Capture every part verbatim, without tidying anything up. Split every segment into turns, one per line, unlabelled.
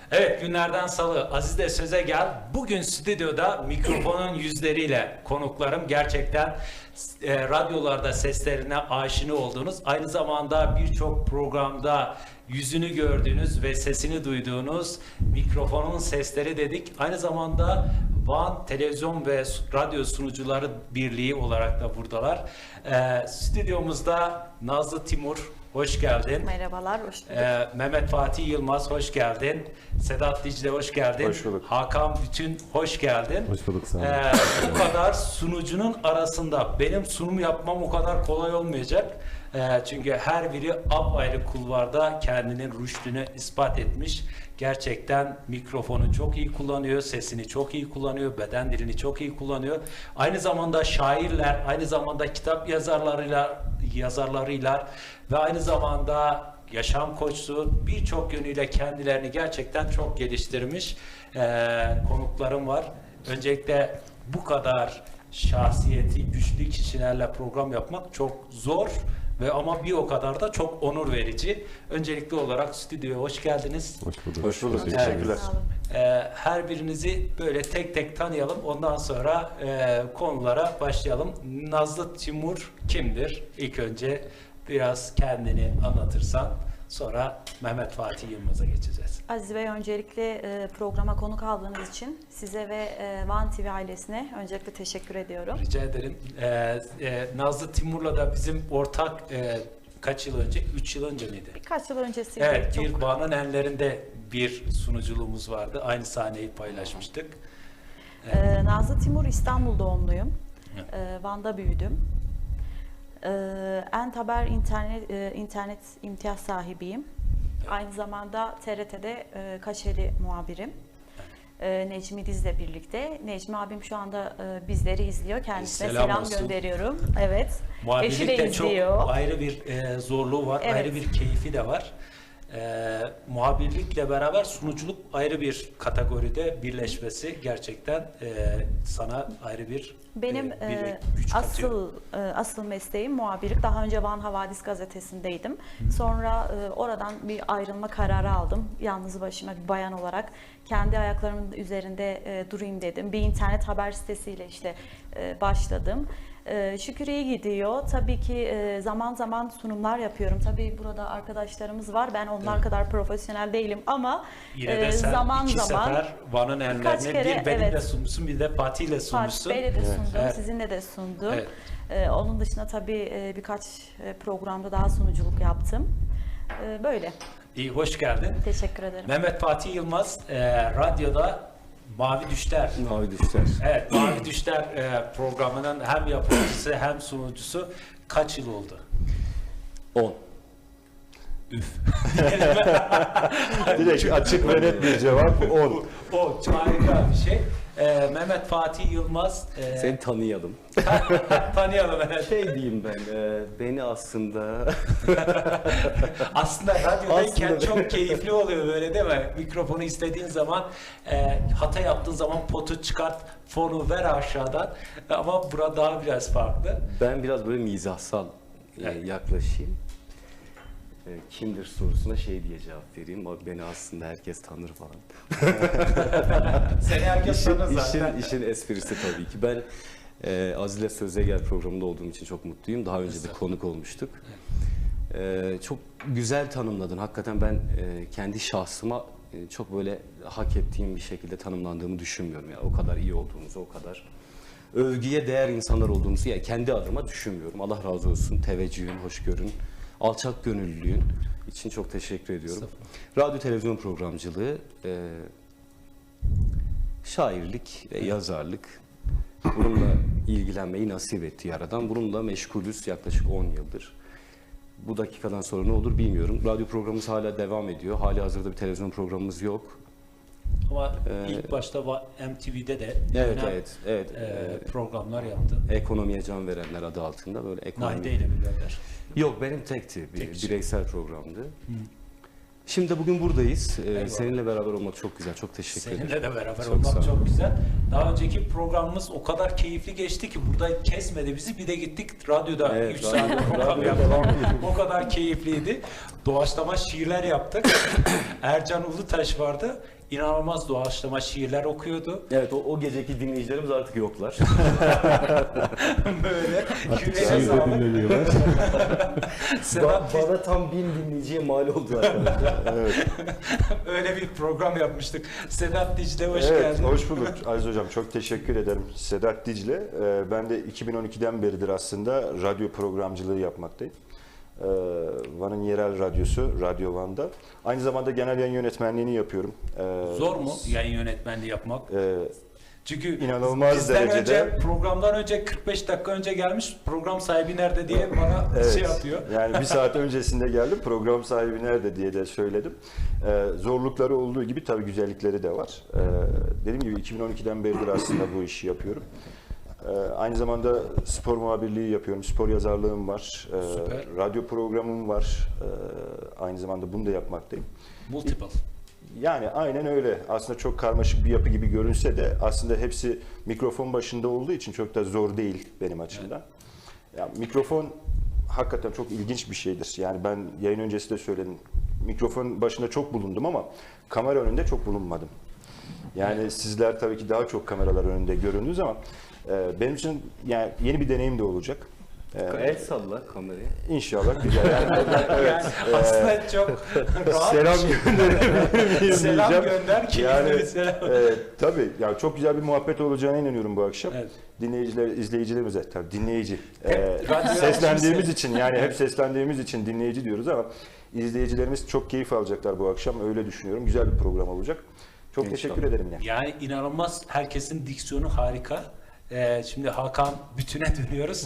Evet, günlerden salı. Aziz de söze gel. Bugün stüdyoda mikrofonun yüzleriyle konuklarım gerçekten e, radyolarda seslerine aşina olduğunuz, aynı zamanda birçok programda yüzünü gördüğünüz ve sesini duyduğunuz mikrofonun sesleri dedik. Aynı zamanda Van Televizyon ve Radyo Sunucuları Birliği olarak da buradalar. E, stüdyomuzda Nazlı Timur, hoş geldin.
Merhabalar, hoş bulduk.
Ee, Mehmet Fatih Yılmaz, hoş geldin. Sedat Dicle, hoş geldin.
Hoş bulduk.
Hakan Bütün, hoş geldin.
Hoş bulduk, sağ olun.
Ee, bu kadar sunucunun arasında benim sunum yapmam o kadar kolay olmayacak. Ee, çünkü her biri apayrı kulvarda kendinin rüştünü ispat etmiş. Gerçekten mikrofonu çok iyi kullanıyor, sesini çok iyi kullanıyor, beden dilini çok iyi kullanıyor. Aynı zamanda şairler, aynı zamanda kitap yazarlarıyla, yazarlarıyla ve aynı zamanda yaşam koçluğu birçok yönüyle kendilerini gerçekten çok geliştirmiş ee, konuklarım var. Öncelikle bu kadar şahsiyeti güçlü kişilerle program yapmak çok zor ve ama bir o kadar da çok onur verici. Öncelikli olarak stüdyoya hoş geldiniz.
Hoş bulduk.
Hoş bulduk.
Evet.
Teşekkürler.
Sağ olun.
Ee, her birinizi böyle tek tek tanıyalım. Ondan sonra e, konulara başlayalım. Nazlı Timur kimdir? İlk önce biraz kendini anlatırsan, sonra Mehmet Fatih Yılmaz'a geçeceğiz.
Aziz Bey, öncelikle e, programa konuk aldığınız için size ve e, Van T V ailesine öncelikle teşekkür ediyorum.
Rica ederim. Ee, e, Nazlı Timur'la da bizim ortak e, kaç yıl önce? Üç yıl önce miydi?
Birkaç yıl öncesiydi.
Evet,
çok.
bir Van'ın enlerinde bir sunuculuğumuz vardı. Aynı sahneyi paylaşmıştık.
E, Nazlı Timur, İstanbul doğumluyum.
Evet.
E, Van'da büyüdüm. E, Ent Haber internet, e, internet imtiyaz sahibiyim. Aynı zamanda T R T'de e, Kaşeli muhabirim. E, Necmi Diz'le birlikte. Necmi abim şu anda e, bizleri izliyor. Kendisine
Selam
selam,
olsun.
gönderiyorum. Evet. Eşi
Muhabirlik
de
de çok
izliyor.
ayrı bir e, zorluğu var,
Evet.
ayrı bir keyfi de var. E, muhabirlikle beraber sunuculuk ayrı bir kategoride birleşmesi gerçekten e, sana ayrı bir
Benim
e, bir
e,
güç katıyor.
asıl e, asıl mesleğim muhabirlik. Daha önce Van Havadis gazetesindeydim. Sonra e, oradan bir ayrılma kararı aldım. Yalnız başıma bir bayan olarak kendi ayaklarımın üzerinde e, durayım dedim. Bir internet haber sitesiyle işte e, başladım. E, şükür iyi gidiyor. Tabii ki e, zaman zaman sunumlar yapıyorum. Tabii burada arkadaşlarımız var. Ben onlar
Evet.
kadar profesyonel değilim ama
Yine de
e,
sen
zaman
iki
zaman
sefer Van'ın
birkaç
enlerine
kere,
bir benimle
evet.
sunmuşsun, bir de Fatih'le
Fatih
sunmuşsun.
Bey'le de sundum,
Evet.
sizinle de sundum.
Evet.
Ee, onun dışında tabii e, birkaç e, programda daha sunuculuk yaptım. Ee, böyle.
İyi, hoş geldin.
Teşekkür ederim.
Mehmet Fatih Yılmaz e, radyoda Mavi Düşler.
Mavi düşler.
Evet, Mavi Düşler e, programının hem yapımcısı hem sunucusu. Kaç yıl oldu?
on.
Üf.
Direkt açık ve net bir cevap on.
O çok harika bir şey. E, Mehmet Fatih Yılmaz. E,
Seni tanıyalım.
tanıyalım. Evet.
Şey diyeyim ben, e, beni aslında
Aslında radyodayken
Aslında-
çok keyifli oluyor böyle, değil mi? Mikrofonu istediğin zaman, e, hata yaptığın zaman potu çıkart, fonu ver aşağıdan. Ama burada daha biraz farklı.
ben biraz böyle mizahsal e,
Evet.
yaklaşayım. E, kimdir sorusuna şey diye cevap vereyim. O beni aslında herkes tanır falan.
Seni herkes
İşin,
tanır zaten.
işin, işin esprisi tabii ki. Ben e, Azile Söze Gel programında olduğum için çok mutluyum. Daha önce de konuk olmuştuk. E, çok güzel tanımladın. Hakikaten ben e, kendi şahsıma e, çok böyle hak ettiğim bir şekilde tanımlandığımı düşünmüyorum. Yani o kadar iyi olduğumuzu, o kadar övgüye değer insanlar olduğumuzu yani kendi adıma düşünmüyorum. Allah razı olsun. Teveccühün, hoşgörün, alçak gönüllülüğün için çok teşekkür ediyorum. Radyo televizyon programcılığı, e, şairlik ve yazarlık, bununla ilgilenmeyi nasip etti Yaradan. Bununla meşgulüz yaklaşık on yıldır. Bu dakikadan sonra ne olur bilmiyorum. Radyo programımız hala devam ediyor. Hali hazırda bir televizyon programımız yok.
Ama
Ee,
ilk başta va- M T V'de de
Evet,
önemli,
evet, evet.
e,
Ee,
programlar yaptı.
Ekonomiye Can Verenler adı altında böyle ekonomi.
Naide ile beraber.
Yok, benim tekti. Bir
Tek kişi.
bireysel programdı. Şimdi de bugün buradayız. Ee,
Eyvallah.
seninle beraber olmak çok güzel. Çok teşekkür ederim.
Seninle de beraber
Çok sağ
olmak
ol.
çok güzel. Daha önceki programımız o kadar keyifli geçti ki burada kesmedi bizi. Bir de gittik radyoda
Evet,
üç
radyo-
saat program
radyo
yaptık.
devam ediyor.
O kadar keyifliydi. Doğaçlama şiirler yaptık. Ercan Ulutaş vardı. inanılmaz doğaçlama şiirler okuyordu.
Evet, o, o geceki dinleyicilerimiz artık yoklar.
Böyle
Artık
yüreğine
şiir de
sağlık.
dinlemiyorlar.
Sedat
Ba- bana tam bin dinleyiciye mal oldu arkadaşlar.
Evet,
öyle bir program yapmıştık. Sedat Dicle hoş
evet
geldin.
hoş bulduk Aziz Hocam. Çok teşekkür ederim. Sedat Dicle. Ee, Ben de iki bin on ikiden beridir aslında radyo programcılığı yapmaktayım. Ee, Van'ın yerel radyosu, Radyo Van'da. Aynı zamanda genel yayın yönetmenliğini yapıyorum. Ee,
Zor mu yayın yönetmenliği yapmak?
e,
Çünkü
İnanılmaz
bizden
derecede-
önce, programdan önce kırk beş dakika önce gelmiş, program sahibi nerede diye bana
Evet,
şey yapıyor.
yani bir saat öncesinde geldim, program sahibi nerede diye de söyledim. Ee, zorlukları olduğu gibi tabii güzellikleri de var. Ee, dediğim gibi iki bin on ikiden beridir aslında bu işi yapıyorum. Ee, aynı zamanda spor muhabirliği yapıyorum, spor yazarlığım var, ee,
Süper.
radyo programım var. Ee, aynı zamanda bunu da yapmaktayım.
Multiple.
Yani aynen öyle. Aslında çok karmaşık bir yapı gibi görünse de aslında hepsi mikrofon başında olduğu için çok da zor değil benim açımdan. Ya, mikrofon hakikaten çok ilginç bir şeydir. Yani ben yayın öncesi de söyledim. Mikrofon başında çok bulundum ama kamera önünde çok bulunmadım. Yani sizler tabii ki daha çok kameralar önünde göründünüz ama e, benim için yani yeni bir deneyim de olacak. E,
El salla kameraya.
İnşallah güzel. Yani, evet,
Yani aslında çok rahat
selam
bir şey.
gönderebilir miyim
Selam
diyeceğim.
gönder, keyifli
Yani,
bir selam.
e, tabii yani çok güzel bir muhabbet olacağına inanıyorum bu akşam.
Evet.
Dinleyiciler, izleyicilerimize tabii dinleyici.
Hep
e,
radyo
seslendiğimiz
yardımcısı.
için yani hep seslendiğimiz için dinleyici diyoruz ama izleyicilerimiz çok keyif alacaklar bu akşam. Öyle düşünüyorum. Güzel bir program olacak. Çok
İnşallah.
teşekkür ederim yine.
Yani inanılmaz, herkesin diksiyonu harika. Ee, şimdi Hakan Bütün'e dönüyoruz.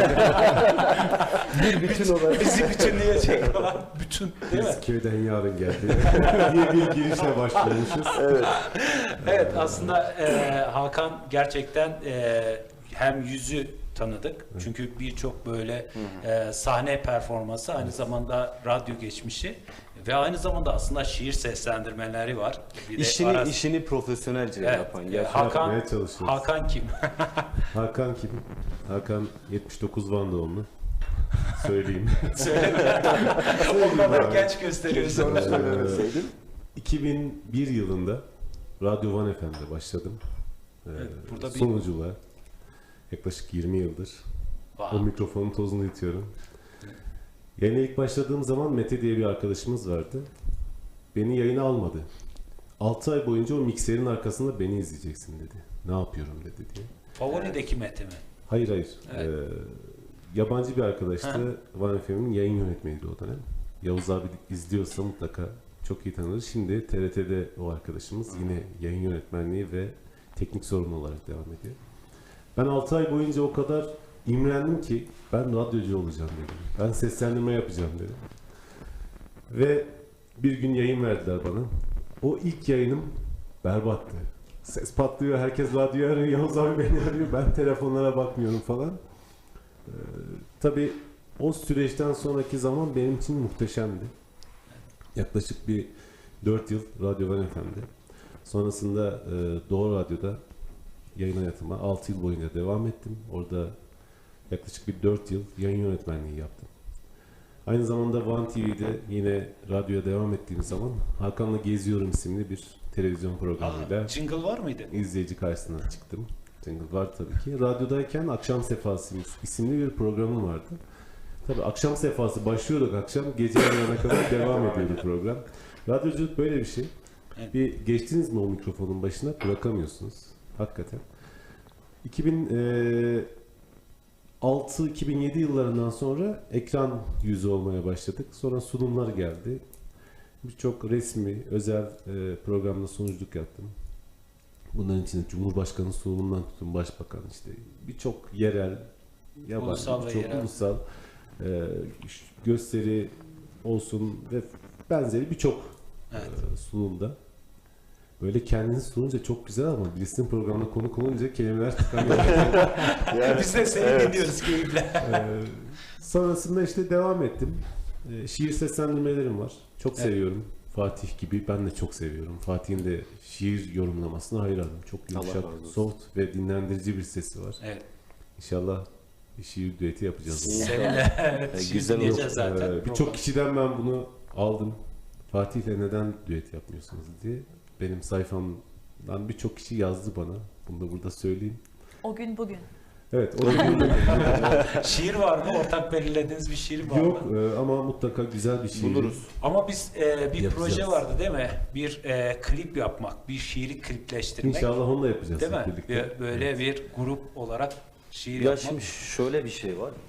Bir bütün olarak.
Bizi bütünleyecek olan bütün, değil mi?
Biz köyden yarın geldi diye bir girişle başlamışız.
Evet.
Evet, aslında e, Hakan gerçekten e, hem yüzü tanıdık. Çünkü birçok böyle e, sahne performansı, aynı zamanda radyo geçmişi ve aynı zamanda aslında şiir seslendirmeleri var. Bir de
İşini,
arası-
işini profesyonelce
Evet,
yapan.
e,
Gerçekten
Hakan,
yapmaya çalışıyoruz.
Hakan kim?
Hakan kim? Hakan yetmiş dokuz Van doğumlu. Söyleyeyim.
Söyleme. O kadar genç gösteriyorsun.
Onu söylemeseydin.
iki bin bir yılında Radyo Van F M'de başladım. Ee,
Evet, burada bir-
Sonuculuğa yaklaşık yirmi yıldır o
Wow.
mikrofonun tozunu itiyorum. Yayına ilk başladığım zaman Mete diye bir arkadaşımız vardı. Beni yayına almadı. altı ay boyunca o mikserin arkasında beni izleyeceksin dedi. Ne yapıyorum dedi diye.
Favorideki Mete mi?
Hayır hayır.
Evet.
Ee, yabancı bir arkadaştı. Van F M'in yayın yönetmeniydi o dönem. Yavuz abi izliyorsa mutlaka çok iyi tanır. Şimdi T R T'de o arkadaşımız yine yayın yönetmenliği ve teknik sorumlu olarak devam ediyor. Ben altı ay boyunca o kadar imrendim ki ben radyocu olacağım dedim. Ben seslendirme yapacağım dedim. Ve bir gün yayın verdiler bana. O ilk yayınım berbattı. Ses patlıyor, herkes radyoyu arıyor, Yavuz abi beni arıyor, ben telefonlara bakmıyorum falan. Ee, tabii o süreçten sonraki zaman benim için muhteşemdi. Yaklaşık bir dört yıl Radyo Van F M'de. Sonrasında e, Doğu Radyo'da yayın hayatıma altı yıl boyunca devam ettim. Orada yaklaşık bir dört yıl yayın yönetmenliği yaptım. Aynı zamanda Van T V'de yine radyoya devam ettiğim zaman Hakan'la Geziyorum isimli bir televizyon programıyla
Aa, jingle var mıydı?
izleyici karşısına çıktım. Jingle var tabii ki. Radyodayken Akşam Sefası isimli bir programım vardı. Tabii akşam sefası başlıyorduk akşam, gece yarına kadar devam ediyordu program. Radyoculuk böyle bir şey.
Evet.
Bir geçtiniz mi o mikrofonun başına bırakamıyorsunuz. Hakikaten. iki bin altı iki bin yedi yıllarından sonra ekran yüzü olmaya başladık. Sonra sunumlar geldi. Birçok resmi, özel e, programda sunuculuk yaptım. Bunların içinde Cumhurbaşkanı sunumundan tutun Başbakan, işte birçok yerel, yabancı,
Ulusal ve
birçok
yerel.
ulusal e, gösteri olsun ve benzeri birçok
Evet.
e, sunumda. Böyle kendini sununca çok güzel ama birisinin programına konuk olunca kelimeler tıkanıyor.
Yani,
Biz de seni
evet.
dinliyoruz keyifle.
Ee, sonrasında işte devam ettim. Ee, şiir seslendirmelerim var. Çok
Evet.
seviyorum. Fatih gibi ben de çok seviyorum. Fatih'in de şiir yorumlamasına hayranım. Çok
Allah
yumuşak,
razı olsun.
soft ve dinlendirici bir sesi var.
Evet.
İnşallah bir şiir düeti yapacağız.
Seninle evet,
E,
şimdi
güzel olur.
dinleyeceğiz zaten.
Ee, Birçok kişiden ben bunu aldım. Fatih'le neden düet yapmıyorsunuz diye. benim sayfamdan birçok kişi yazdı bana. Bunu da burada söyleyeyim.
O gün bugün.
Evet, o gün
Şiir var mı? Ortak belirlediğiniz bir şiir var mı?
yok e, ama mutlaka güzel bir şey.
Buluruz.
Ama biz e, bir
Yapacağız.
proje vardı değil mi? Bir e, klip yapmak, bir şiiri klipleştirmek.
İnşallah onu da yapacağız
Değil mi?
hep birlikte.
Bir- böyle bir grup olarak şiir
Ya
yapmak.
şimdi şöyle bir şey var.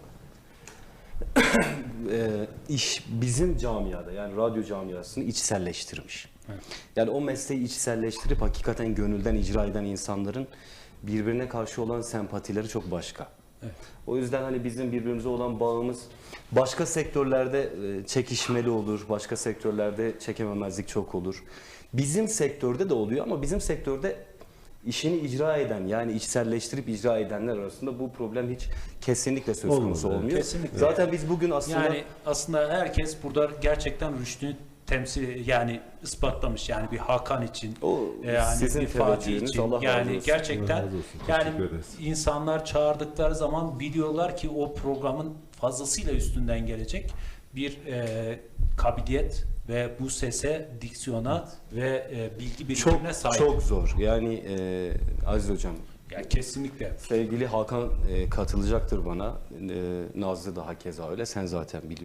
e, iş bizim camiada yani radyo camiasını içselleştirmiş.
Evet.
Yani o mesleği içselleştirip hakikaten gönülden icra eden insanların birbirine karşı olan sempatileri çok başka.
Evet.
O yüzden hani bizim birbirimize olan bağımız başka sektörlerde e, çekişmeli olur, başka sektörlerde çekememezlik çok olur. Bizim sektörde de oluyor ama bizim sektörde işini icra eden yani içselleştirip icra edenler arasında bu problem hiç kesinlikle söz
Olmadı,
konusu
evet.
olmuyor.
Kesinlikle.
Zaten biz bugün aslında
Yani aslında herkes burada gerçekten rüştünü temsil yani ispatlamış yani bir Hakan için
o
yani
sizin
bir Fatih
teveccühünüz,
için
Allah razı
yani
olsun.
gerçekten
Allah razı olsun.
yani
Teşekkür ederiz.
insanlar çağırdıkları zaman biliyorlar ki o programın fazlasıyla üstünden gelecek bir e, kabiliyet ve bu sese, diksiyona ve e, bilgi birikimine
çok
sahip.
çok zor. Yani e, Aziz hocam
Yani kesinlikle.
sevgili Hakan e, katılacaktır bana. E, Nazlı da hakeza öyle. Sen zaten biliyorsun.